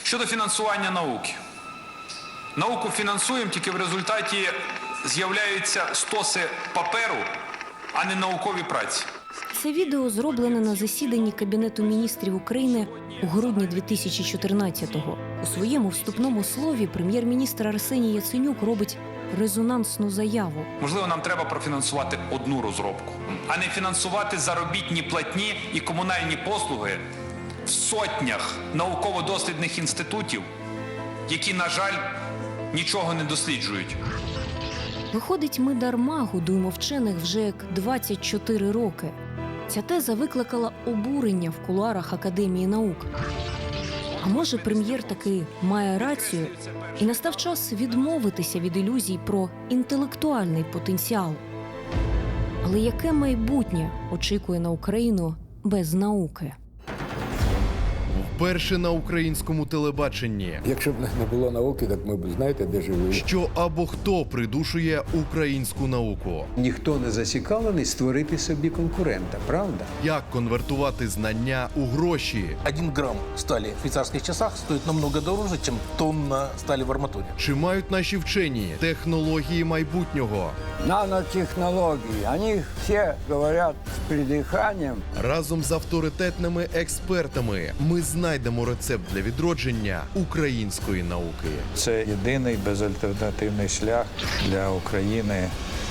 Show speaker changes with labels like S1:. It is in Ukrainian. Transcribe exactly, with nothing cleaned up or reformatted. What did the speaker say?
S1: Щодо фінансування науки. Науку фінансуємо, тільки в результаті з'являються стоси паперу, а не наукові праці.
S2: Це відео зроблене на засіданні Кабінету міністрів України у грудні дві тисячі чотирнадцятого. У своєму вступному слові прем'єр-міністр Арсеній Яценюк робить резонансну заяву.
S1: Можливо, нам треба профінансувати одну розробку, а не фінансувати заробітні платні і комунальні послуги в сотнях науково-дослідних інститутів, які, на жаль, нічого не досліджують.
S2: Виходить, ми дарма годуємо вчених вже як двадцять чотири роки. Ця теза викликала обурення в кулуарах Академії наук. А може, прем'єр таки має рацію, і настав час відмовитися від ілюзій про інтелектуальний потенціал. Але яке майбутнє очікує на Україну без науки?
S3: Вперше на українському телебаченні.
S4: Якщо б не було науки, так ми б, знаєте, де жили.
S3: Що або хто придушує українську науку?
S4: Ніхто не зацікавлений створити собі конкурента, правда?
S3: Як конвертувати знання у гроші?
S5: Один грамм стали в швейцарских часах стоит намного дороже, чем тонна стали в арматуре.
S3: Чи мають наші вчені технології майбутнього?
S6: Нанотехнологии. Они все говорят с придыханием.
S3: Разом з авторитетними експертами ми знайдемо рецепт для відродження української науки.
S7: Це єдиний безальтернативний шлях для України